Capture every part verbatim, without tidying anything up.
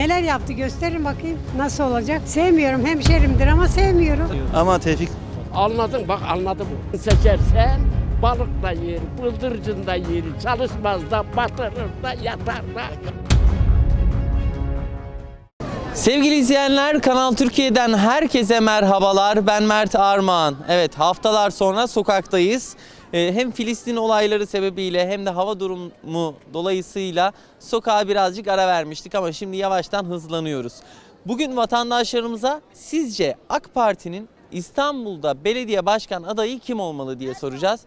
Neler yaptı gösterin bakayım nasıl olacak. Sevmiyorum, hemşerimdir ama sevmiyorum. Ama Tevfik Anladın bak anladım. Seçersen balık da yer, bıldırcın da yer, çalışmaz da batırır da yatar da. Sevgili izleyenler, Kanal Türkiye'den herkese merhabalar. Ben Mert Armağan. Evet, haftalar sonra sokaktayız. Ee, hem Filistin olayları sebebiyle hem de hava durumu dolayısıyla sokağa birazcık ara vermiştik ama şimdi yavaştan hızlanıyoruz. Bugün vatandaşlarımıza sizce AK Parti'nin İstanbul'da belediye başkan adayı kim olmalı diye soracağız.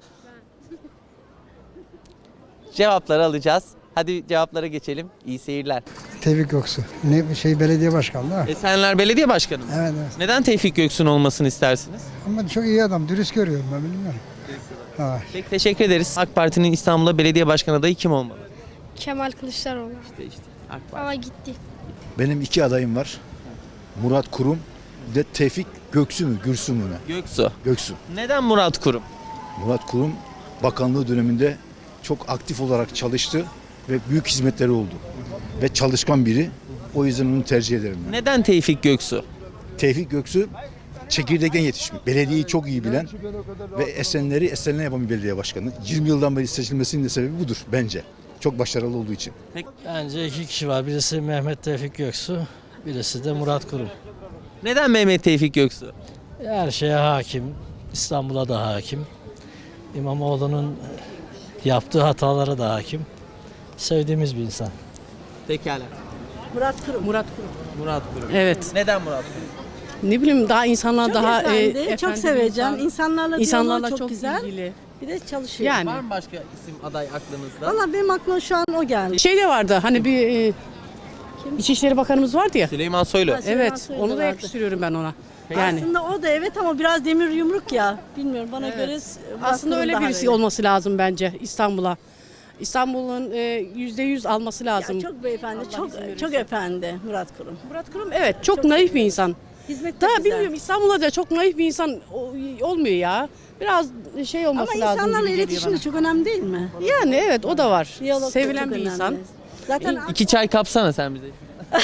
Cevapları alacağız. Hadi cevaplara geçelim. İyi seyirler. Tevfik Göksu. Ne şey belediye başkanı da. Esenler Belediye Başkanı mı? Evet, evet. Neden Tevfik Göksu'nun olmasını istersiniz? Ama çok iyi adam. Dürüst görüyorum ben bilmiyorum. Ha. Peki, teşekkür ederiz. AK Parti'nin İstanbul'da belediye başkan adayı kim olmalı? Kemal Kılıçdaroğlu. İşte işte AK Parti. Ama gitti. Benim iki adayım var. Murat Kurum bir de Tevfik Göksu mu? Gürsü mü ne? Göksu. Göksu. Neden Murat Kurum? Murat Kurum bakanlığı döneminde çok aktif olarak çalıştı ve büyük hizmetleri oldu. Ve çalışkan biri. O yüzden onu tercih ederim ben. Neden Tevfik Göksu? Tevfik Göksu çekirdekten yetişmiş. Belediyeyi çok iyi bilen ve Esenler'i Esenler yapan bir belediye başkanı. yirmi yıldan beri seçilmesinin de sebebi budur bence. Çok başarılı olduğu için. Bence iki kişi var. Birisi Mehmet Tevfik Göksu, birisi de Murat Kurum. Neden Mehmet Tevfik Göksu? Her şeye hakim, İstanbul'a da hakim. İmamoğlu'nun yaptığı hatalara da hakim. Sevdiğimiz bir insan. Pekala. Murat Kurum. Murat Kurum. Murat Kurum. Evet. Neden Murat Kurum? Ne bileyim daha insanlar Çok daha efendi, e, çok efendi seveceğim. insan. İnsanlarla, İnsanlarla diyaloğu çok, güzel. ilgili. Bir de çalışıyor. Yani. Var mı başka isim aday aklınızda? Valla benim aklıma şu an o geldi. Şey de vardı hani bir e, İçişleri Bakanımız vardı ya. Süleyman Soylu. Ha, Süleyman Evet, Soylu onu da vardı. yakıştırıyorum ben ona. Yani Aslında o da evet ama biraz demir yumruk ya. Bilmiyorum bana Evet. göre Murat aslında Kurum öyle daha birisi böyle. olması lazım bence İstanbul'a. İstanbul'un e, yüzde yüz alması lazım. Ya çok beyefendi, Allah çok izin verirse. çok efendi Murat Kurum. Murat Kurum evet çok, naif bir insan. Hizmet de Daha güzel. bilmiyorum İstanbul'da da çok naif bir insan o- olmuyor ya. Biraz şey olması Ama lazım insanlarla gibi geliyor iletişim de bana. çok önemli değil mi? Yani evet o da var. Diyalog da Sevilen çok bir önemli. insan. Zaten İki çay kapsana sen bize.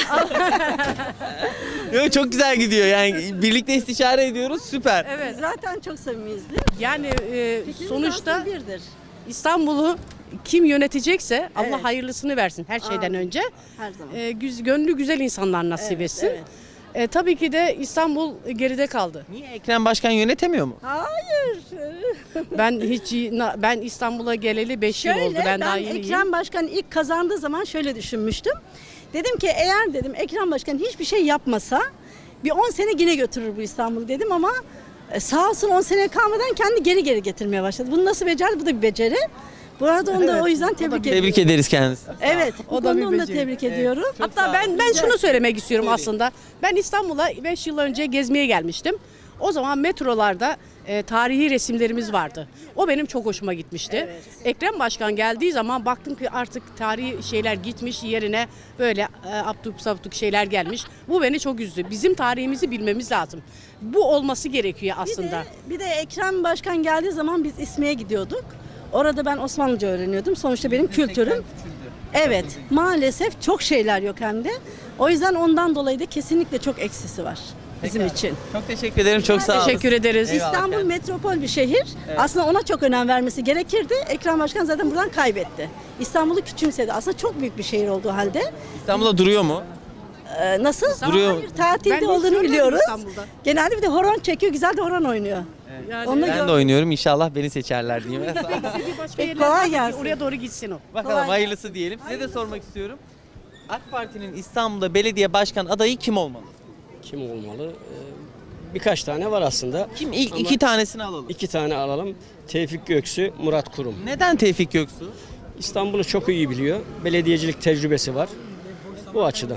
Yok, çok güzel gidiyor yani birlikte istişare ediyoruz süper. Evet. zaten çok samimiyiz değil mi? Yani e, Fikrimiz sonuçta aslında birdir. İstanbul'u kim yönetecekse Allah Evet. hayırlısını versin her şeyden Amin. önce. Her zaman. E, güz, gönlü güzel insanlar nasip Evet, etsin. evet. E, tabii ki de İstanbul geride kaldı. Niye Ekrem Başkan yönetemiyor mu? Hayır. Ben hiç na- ben İstanbul'a geleli beş yıl Şöyle oldu. Ben, ben, daha yeniyim. Ekrem Başkan ilk kazandığı zaman şöyle düşünmüştüm. Dedim ki eğer dedim Ekrem Başkan hiçbir şey yapmasa bir on sene yine götürür bu İstanbul'u dedim ama e, sağ olsun on sene kalmadan kendi geri geri getirmeye başladı. Bunu nasıl becerdi? Bu da bir beceri. Bu arada onu da o yüzden tebrik ediyorum. Tebrik ederiz kendisini. Evet, O o da da bir onu da beceri. tebrik ediyorum. Hatta ben ben şunu söylemek istiyorum aslında. Ben İstanbul'a beş yıl önce gezmeye gelmiştim. O zaman metrolarda e, tarihi resimlerimiz vardı. O benim çok hoşuma gitmişti. Ekrem Başkan geldiği zaman baktım ki artık tarihi şeyler gitmiş yerine böyle e, abduk sabduk şeyler gelmiş. Bu beni çok üzdü. Bizim tarihimizi bilmemiz lazım. Bu olması gerekiyor Bir aslında. de, bir de Ekrem Başkan geldiği zaman biz İSMİ'ye gidiyorduk. Orada ben Osmanlıca öğreniyordum. Sonuçta benim kültürüm. Evet, maalesef çok şeyler yok hem de. O yüzden ondan dolayı da kesinlikle çok eksisi var bizim için. Çok teşekkür ederim. Çok sağ olun. Teşekkür ederiz. Eyvallah. İstanbul metropol bir şehir. Aslında ona çok önem vermesi gerekirdi. Ekrem Başkan zaten buradan kaybetti. İstanbul'u küçümsedi. Aslında çok büyük bir şehir olduğu halde. İstanbul'da duruyor mu? Ee, nasıl? Duruyor. Hayır, tatilde Ben hiç olduğunu görmedim biliyoruz. İstanbul'da. Genelde bir de horon çekiyor. Güzel de horon oynuyor. Onu Ben de oynuyorum. İnşallah beni seçerler diyeyim. Başka Peki, yerler kolay var ki gelsin. oraya doğru gitsin o. Bakalım Kolay hayırlısı diyelim. Size de sormak istiyorum. AK Parti'nin İstanbul'da belediye başkan adayı kim olmalı? Kim olmalı? Ee, Birkaç tane var aslında. Kim? İlk Ama iki tanesini alalım. iki tane alalım. Tevfik Göksu, Murat Kurum. Neden Tevfik Göksu? İstanbul'u çok iyi biliyor. Belediyecilik tecrübesi var. Bu açıdan.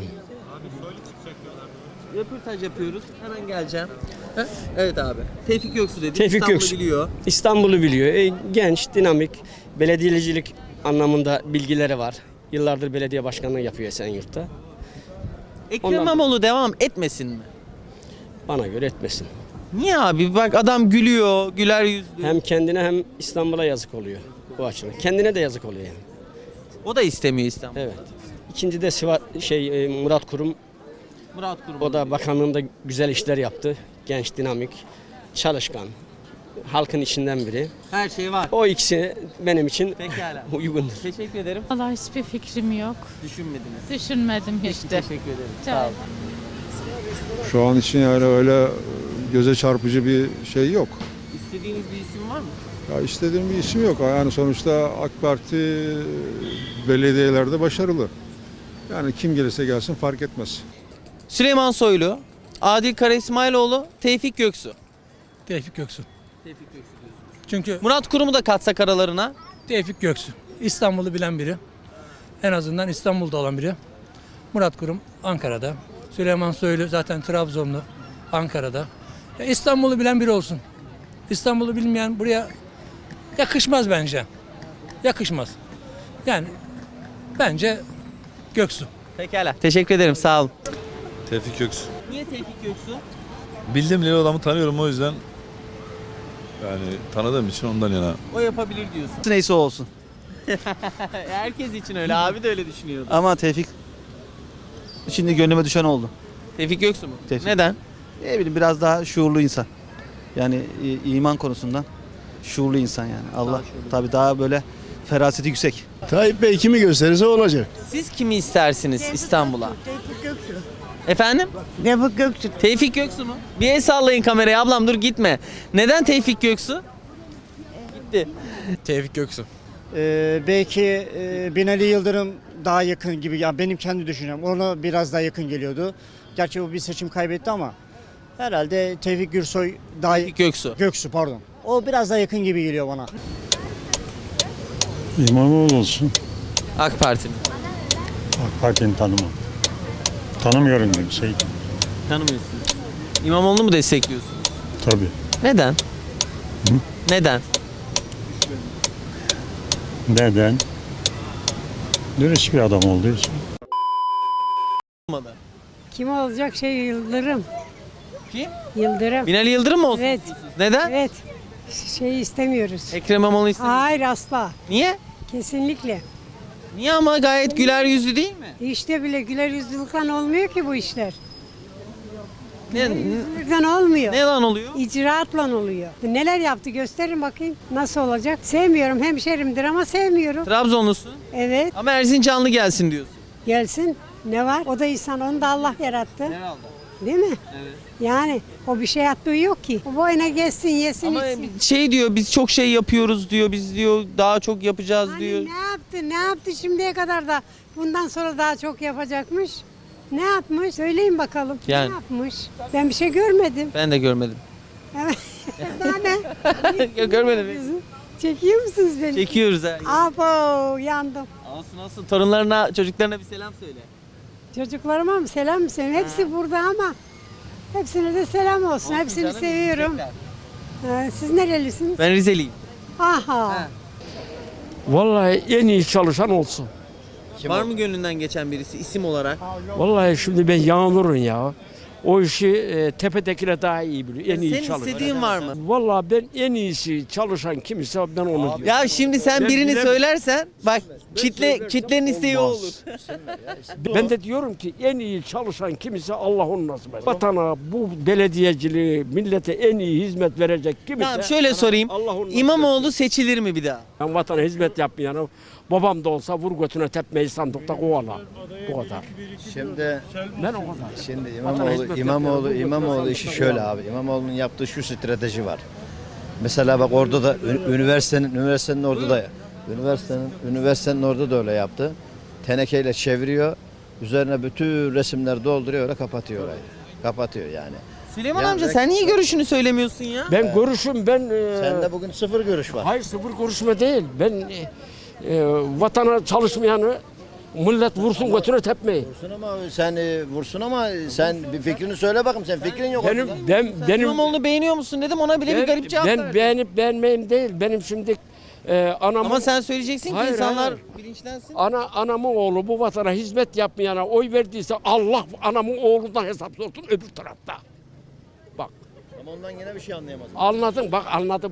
Röportaj yapıyoruz. Hemen geleceğim. Ha? Evet abi. Tevfik Göksu dedi. Tevfik İstanbul'u Göksu. biliyor. İstanbul'u biliyor. E, genç, dinamik, belediyecilik anlamında bilgileri var. Yıllardır belediye başkanlığı yapıyor Esenyurt'ta. Ekrem Ondan- İmamoğlu devam etmesin mi? Bana göre etmesin. Niye abi? Bak adam gülüyor, güler yüzlü. Hem kendine hem İstanbul'a yazık oluyor bu açıdan. Kendine de yazık oluyor yani. O da istemiyor İstanbul. Evet. İkinci de Sivas şey e, Murat Kurum. Murat Kurum. O da bakanlığında güzel işler yaptı. Genç, dinamik, çalışkan. Halkın içinden biri. Her şey var. O ikisi benim için Pekala. uygundur. Teşekkür ederim. Vallahi hiçbir fikrim yok. Düşünmediniz. Düşünmedim hiç Peki, de. teşekkür ederim. Rica Sağ olun. Şu an için yani öyle göze çarpıcı bir şey yok. İstediğiniz bir isim var mı? Ya istediğim bir isim yok. Yani sonuçta AK Parti belediyelerde başarılı. Yani kim gelirse gelsin fark etmez. Süleyman Soylu, Adil Kara İsmailoğlu, Tevfik Göksu. Tevfik Göksu. Tevfik Göksu diyorsunuz. Çünkü Murat Kurum'u da katsak aralarına. Tevfik Göksu İstanbul'u bilen biri. En azından İstanbul'da olan biri. Murat Kurum Ankara'da. Süleyman Soylu zaten Trabzonlu, Ankara'da. Ya İstanbul'u bilen biri olsun. İstanbul'u bilmeyen buraya yakışmaz bence. Yakışmaz. Yani bence Göksu. Pekala. Teşekkür ederim. Sağ olun. Tevfik Göksu. Niye Tevfik Göksu? Bildiğim bileli adamı tanıyorum o yüzden yani tanıdığım için ondan yana. O yapabilir diyorsun. Neyse olsun. Herkes için öyle. Abi de öyle düşünüyordu. Ama Tevfik şimdi gönlüme düşen oldu. Tevfik Göksu mu? Tevfik. Neden? Ne bileyim biraz daha şuurlu insan. Yani i- iman konusundan şuurlu insan yani. Allah tabii daha böyle feraseti yüksek. Tayyip Bey kimi gösterirse olacak. Siz kimi istersiniz İstanbul'a? Tevfik Göksu. Efendim? Tevfik Göksu. Tevfik Göksu mu? Bir el sallayın kameraya ablam, dur gitme. Neden Tevfik Göksu? Gitti. Tevfik Göksu. Ee, belki e, Binali Yıldırım daha yakın gibi. Ya benim kendi düşüncem. Ona biraz daha yakın geliyordu. Gerçi o bir seçim kaybetti ama herhalde Tevfik Gürsoy daha Tevfik Göksu. Göksu pardon. O biraz daha yakın gibi geliyor bana. İmamoğlu olsun. AK Parti mi? AK Parti'ni tanımam. Tanımıyorum kimseyi. Tanımıyorsunuz. İmamoğlu'nu mu destekliyorsunuz? Tabii. Neden? Neden? Neden? Dürüst bir adam olduğu için. Olmadı. Kim olacak şey Yıldırım. Kim? Yıldırım. Binali Yıldırım mı olsun Evet. istiyorsunuz? Neden? Evet. Şey istemiyoruz. Ekrem İmamoğlu istemiyor. Hayır asla. Niye? Kesinlikle. Niye ama gayet güler yüzlü değil mi? İşte bile güler yüzlülükten olmuyor ki bu işler. Ne, Yüzlülükten olmuyor. ne lan oluyor? İcraatla oluyor. Neler yaptı gösterin bakayım. Nasıl olacak? Sevmiyorum. Hemşerimdir ama sevmiyorum. Trabzonlusun Evet. ama Erzincanlı gelsin diyorsun. Gelsin. Ne var? O da insan. Onu da Allah yarattı. Herhalde. Değil mi? Evet. Yani o bir şey yaptığı yok ki. O boyuna geçsin, yesin, Ama içsin. şey diyor, biz çok şey yapıyoruz diyor, biz diyor daha çok yapacağız Hani diyor. ne yaptı? Ne yaptı şimdiye kadar da bundan sonra daha çok yapacakmış? Ne yapmış? Söyleyin bakalım. Yani. Ne yapmış? Ben bir şey görmedim. Ben de görmedim. Evet. Daha ne? Ya görmedim. Çekiyor musunuz beni? Çekiyoruz ha. Abo yandım. Olsun olsun, torunlarına, çocuklarına bir selam söyle. Çocuklarıma mı selam mı söyleyeyim? Hepsi burada ama hepsine de selam olsun. Olsun Hepsini canım, seviyorum. teşekkürler. Ee, siz nerelisiniz? Ben Rizeliyim. Aha. Vallahi en iyi çalışan olsun. Var mı gönlünden geçen birisi isim olarak? Vallahi şimdi ben Yağmur'un ya. O işi e, tepedekine daha iyi biliyor. En iyi Senin çalışan. istediğin var mı? Vallahi ben en iyisi çalışan kimse ben onu diyorum. Ya şimdi sen Ben birini bilemem. söylersen bak kitle söylersem kitlenin isteği olmaz. olur. Ben de diyorum ki en iyi çalışan kimse Allah onu nasip eder. Vatana, bu belediyeciliği, millete en iyi hizmet verecek kimse. Tamam şöyle sorayım. Allah onu nasip İmamoğlu seçilir mi bir daha? Ben vatana hizmet yapmayanı babam da olsa vur götüne tepmeyi sandıkta kovala. Bu kadar. Şimdi Ben o kadar. şimdi hizmet İmamoğlu yapıyorum, İmamoğlu bu İmamoğlu götüne işi sandıkta şöyle kovala. abi. İmamoğlu'nun yaptığı şu strateji var. Mesela bak orada da ü- üniversitenin üniversitenin orada da üniversitenin üniversitenin orada da öyle yaptı. Tenekeyle çeviriyor. Üzerine bütün resimler dolduruyor, öyle kapatıyor orayı. Kapatıyor yani. Süleyman Ya amca ben- sen niye görüşünü söylemiyorsun ya? Ben görüşüm ben e, Sende bugün sıfır görüş var. hayır sıfır görüşme değil. Ben e, e, vatana çalışmayanı millet vursun götüne tepmeyi. Vursun ama sen e, vursun ama sen bir fikrini söyle bakayım. Sen fikrin yok Benim ortada. ben benim İmamoğlu'nu beğeniyor musun dedim, ona bile bir garip cevap ben verdi. beğenip beğenmeyim değil. Benim şimdi e, anamın Ama sen söyleyeceksin ki Hayır, insanlar hayır. bilinçlensin. ana anamın oğlu bu vatana hizmet yapmayana oy verdiyse Allah anamın oğlundan hesap sorsun öbür tarafta. Bak Ama ondan yine bir şey anlayamaz. anladın bak anladı bu.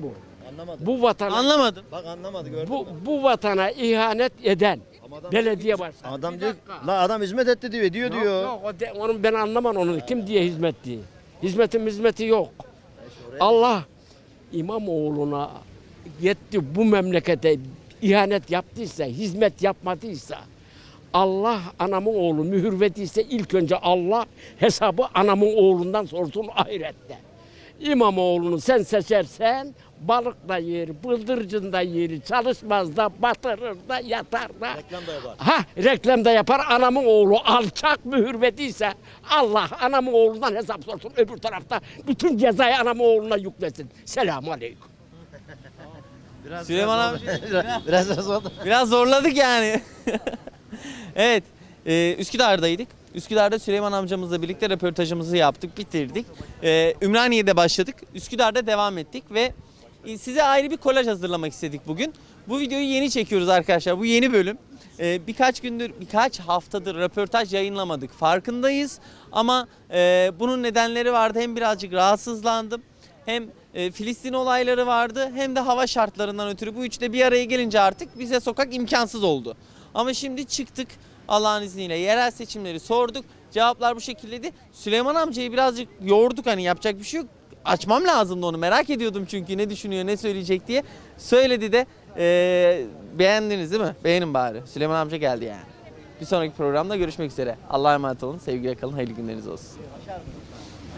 Anlamadım. Bu vatana Anlamadım. Bak anlamadı gördün bu mü? bu vatana ihanet eden Ama adam belediye başkanı. Adam Bir diyor, dakika. la adam hizmet etti diyor, diyor Yok, diyor. Yok, o de, onu ben anlamam onu. Kim diye hizmet diye. Hizmetin hizmeti yok. Allah İmamoğlu'na yetti bu memlekete ihanet yaptıysa, hizmet yapmadıysa, Allah anamın oğlu mühür verdiyse ilk önce Allah hesabı anamın oğlundan sorsun ahirette. İmamoğlu'nu sen seçersen balık da yer, bıldırcın da yer, çalışmaz da batırır da yatar da. Reklam da yapar. Ha reklam da yapar anamın oğlu alçak mühür verdiyse Allah anamın oğlundan hesap sorsun öbür tarafta bütün cezayı anamın oğluna yüklesin. Selamun aleyküm. Biraz, Süleyman biraz abi biraz, biraz, biraz oldu. biraz zorladık yani. Evet, e, Üsküdar'daydık. Üsküdar'da Süleyman amcamızla birlikte röportajımızı yaptık, bitirdik. E, Ümraniye'de başladık, Üsküdar'da devam ettik ve e, size ayrı bir kolaj hazırlamak istedik bugün. Bu videoyu yeni çekiyoruz arkadaşlar, bu yeni bölüm. E, birkaç gündür, birkaç haftadır röportaj yayınlamadık, farkındayız. Ama e, bunun nedenleri vardı, hem birazcık rahatsızlandım, hem e, Filistin olayları vardı, hem de hava şartlarından ötürü bu üçte bir araya gelince artık bize sokak imkansız oldu. Ama şimdi çıktık Allah'ın izniyle, yerel seçimleri sorduk, cevaplar bu şekildeydi. Süleyman amcayı birazcık yorduk, hani yapacak bir şey yok. Açmam lazımdı onu, merak ediyordum çünkü ne düşünüyor, ne söyleyecek diye. Söyledi de e, beğendiniz değil mi? Beğenin bari. Süleyman amca geldi yani. Bir sonraki programda görüşmek üzere. Allah'a emanet olun, sevgiyle kalın, hayırlı günleriniz olsun.